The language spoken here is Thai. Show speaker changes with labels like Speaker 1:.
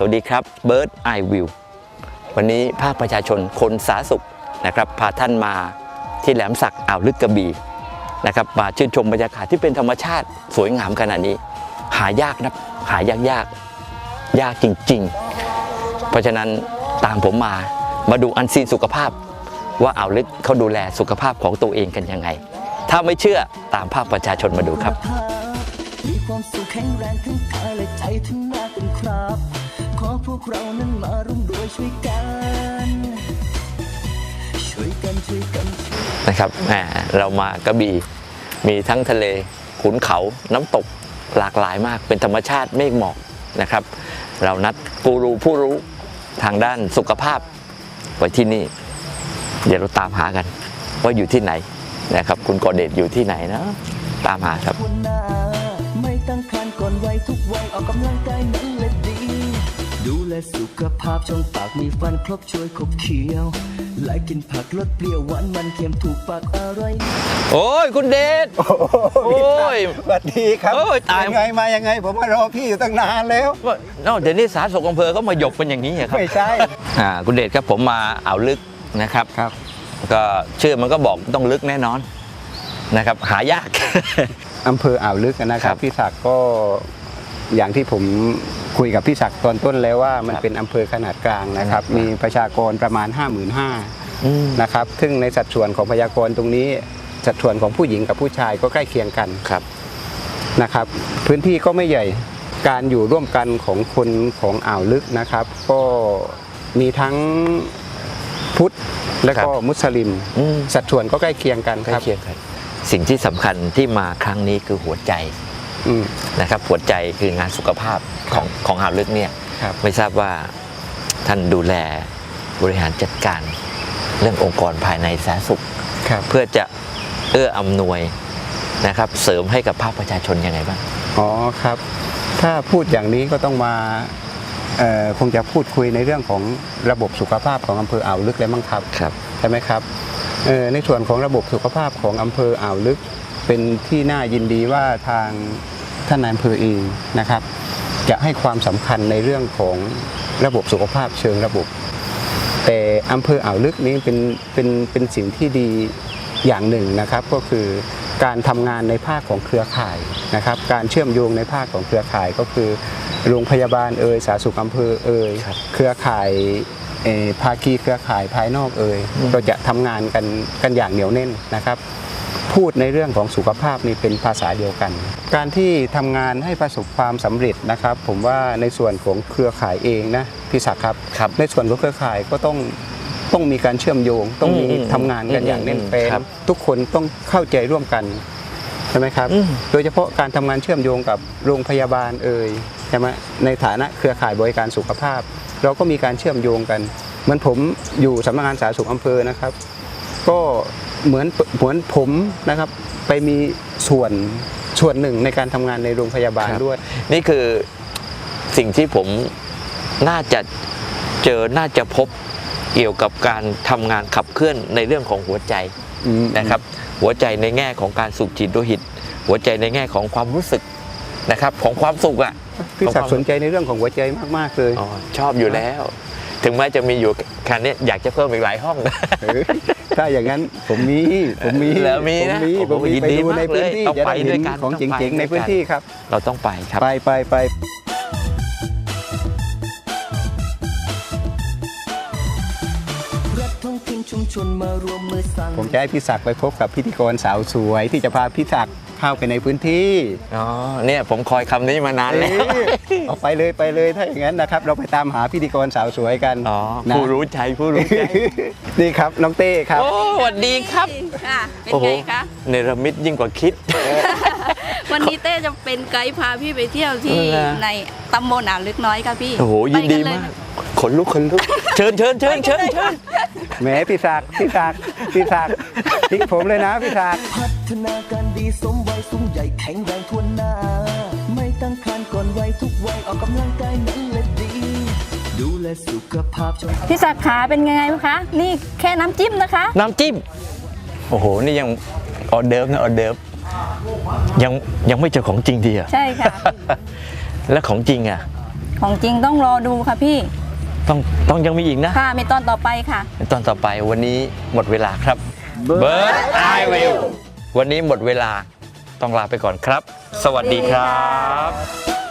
Speaker 1: วัสดีครับเบิร์ดไอวิววันนี้ภาคประชาชนคนสาสุขนะครับพาท่านมาที่แหลมสักอ่าวลึกกระบี่นะครับมาชื่นชมบรรยากาศที่เป็นธรรมชาติสวยงามขนาดนี้หายากนะหายากจริงๆเพราะฉะนั้นตามผมมาดูอันซีนสุขภาพว่าอ่าวลึกเขาดูแลสุขภาพของตัวเองกันยังไงถ้าไม่เชื่อตามภาคประชาชนมาดูครับ
Speaker 2: มีความสุขแข็งแรงทั้งกายและใจทั้งหน้าเป็นครับขอพวกเรานั้นมาร่วมด้วยช่วยกัน
Speaker 1: นะครับเรามากระบี่มีทั้งทะเลขุนเขาน้ำตกหลากหลายมากเป็นธรรมชาติเมฆหมอกนะครับเรานัดกูรูผู้รู้ทางด้านสุขภาพไว้ที่นี่เดี๋ยวเราตามหากันว่าอยู่ที่ไหนนะครับคุณกอเดชอยู่ที่ไหนนะตามหาครับ
Speaker 2: ไม่ตั้งครรภ์ก่อนวัยทุกวัยออกกำลังกายนั้นแหละดีดูแลสุขภาพช่องปากมีฟันครบช่วยขบเคี้ยวไล่กินผักลดเปรี้ยวหวานมันเค็มถูกปากอร่อย
Speaker 1: โอ้ยคุณเดชโอ้ย
Speaker 3: สวัสดีครับตายยังไงผมมารอพี่อยู่ตั้งนานแล้ว
Speaker 1: เดี๋ยวนี้สาธารณสุขอำเภอก็มาหยบเป็นอย่างนี้ครับ
Speaker 3: ไม่ใช่
Speaker 1: คุณเดชครับผมมาอ่าวลึกนะครับก็ชื่อมันก็บอกต้องลึกแน่นอนนะครับหายาก
Speaker 3: อำเภออ่าวลึกนะครับพี่ศักดิ์ก็อย่างที่ผมคุยกับพี่ศักดิ์ตอนต้นแล้วว่ามันเป็นอำเภอขนาดกลางนะครับมีประชากรประมาณ 55,000 นะครับซึ่งในสัดส่วนของประชากรตรงนี้สัดส่วนของผู้หญิงกับผู้ชายก็ใกล้เคียงกันนะครับพื้นที่ก็ไม่ใหญ่การอยู่ร่วมกันของคนของอ่าวลึกนะครับก็มีทั้งพุทธและก็มุสลิมสัดส่วนก็ใกล้เคียงกันครับ
Speaker 1: สิ่งที่สำคัญที่มาครั้งนี้คือหัวใจนะครับหัวใจคืองานสุขภาพของอ่าวลึกเนี่ยไม่ทราบว่าท่านดูแลบริหารจัดการเรื่ององค์กรภายในสาธารณสุขเพื่อจะอำนวยนะครับเสริมให้กับภาคประชาชนยังไงบ้าง
Speaker 3: อ๋อครับถ้าพูดอย่างนี้ก็ต้องมาคงจะพูดคุยในเรื่องของระบบสุขภาพของอำเภออ่าวลึกเลยมั้งครับใช่ไหมครับในส่วนของระบบสุขภาพของอำเภออ่าวลึกเป็นที่น่ายินดีว่าทางท่านนายอำเภอเองนะครับจะให้ความสำคัญในเรื่องของระบบสุขภาพเชิงระบบแต่อำเภออ่าวลึกนี้เป็นสิ่งที่ดีอย่างหนึ่งนะครับก็คือการทำงานในภาคของเครือข่ายนะครับการเชื่อมโยงในภาคของเครือข่ายก็คือโรงพยาบาลสาธารณสุขอำเภอเครือข่ายภาคีเครือข่ายภายนอกก็จะทำงานกันอย่างเหนียวแน่นนะครับพูดในเรื่องของสุขภาพนี่เป็นภาษาเดียวกันการที่ทำงานให้ประสบความสำเร็จนะครับผมว่าในส่วนของเครือข่ายเองนะพี่ศักดิ์ครับในส่วนของเครือข่ายก็ต้องมีการเชื่อมโยงต้องมีทำงานกันอย่างแน่นแฟ้นทุกคนต้องเข้าใจร่วมกันใช่ไหมครับโดยเฉพาะการทำงานเชื่อมโยงกับโรงพยาบาลใช่ไหมในฐานะเครือข่ายบริการสุขภาพเราก็มีการเชื่อมโยงกันเหมือนผมอยู่สำนักงานสาธารณสุขอำเภอนะครับก็เหมือนผมนะครับไปมีส่วนหนึ่งในการทำงานในโรงพยาบาลด้วย
Speaker 1: นี่คือสิ่งที่ผมน่าจะน่าจะพบเกี่ยวกับการทำงานขับเคลื่อนในเรื่องของหัวใจนะครับหัวใจในแง่ของการสูบฉีดโลหิตหัวใจในแง่ของความรู้สึกนะครับของความสุข
Speaker 3: พี่ศักดิ์สนใจในเรื่องของหัวใจมากๆเลย
Speaker 1: ชอบอยู่แล้วถึงแม้จะมีอยู่แค่นี้อยากจะเพิ่มอีกหลายห้อง
Speaker 3: ถ้าอย่างนั้นผมมี
Speaker 1: แล้วมีนะ
Speaker 3: ผมไปดูในพื้นที่จะได้เห็นของจริงๆในพื้นที่ครับ
Speaker 1: เราต้องไปครับ
Speaker 3: ไปผมจะให้พี่ศักดิ์ไปพบกับพิธีกรสาวสวยที่จะพาพี่ศักดิ์เข้าไปในพื้นที่
Speaker 1: เนี่ยผมคอยคำนี้มานานแล้ว
Speaker 3: เอาไปเลยถ้าอย่างนั้นนะครับเราไปตามหาพิธีกรสาวสวยกัน
Speaker 1: ผู้รู้ใจ
Speaker 3: นี่ครับน้องเต้ครับ
Speaker 1: สวัสดีครับ
Speaker 4: เป็นไงคะ
Speaker 1: เนรมิตยิ่งกว่าคิด
Speaker 4: วันนี้เต้จะเป็นไกด์พาพี่ไปเที่ยวที่ในตำบลอ่าวลึกน้อยค่ะพี่
Speaker 1: โอ้โหยินดีมากขนลุกเชิญ
Speaker 3: แหมพี่ศักดิ์ทิ้งผมเลยนะพี่ศักดิ์
Speaker 2: พัฒนาการดีสมวัยสูงใหญ่แข็งแรงทั่วหน้าไม่ตั้งครรภ์ก่อนวัยทุกวัยออกกำลังกายนั้นแหละดีดูแลสุขภาพ
Speaker 4: พี่ศักดิ์ขาเป็นไงคะนี่แค่น้ำจิ้มนะคะ
Speaker 1: น้ำจิ้มโอ้โหนี่ยังออเดิร์ฟนะออเดิร์ฟยังไม่เจอของจริงดีอ่ะ
Speaker 4: ใช่ค่ะ
Speaker 1: แล้วของจริงอ่ะ
Speaker 4: ของจริงต้องรอดูค่ะพี่
Speaker 1: ต้องยังมีอีกนะ
Speaker 4: ค่ะมีตอนต่อไปค่ะ
Speaker 1: ตอนต่อไปวันนี้หมดเวลาครับ Bird Eye View วันนี้หมดเวลาต้องลาไปก่อนครับ สวัสดีครับ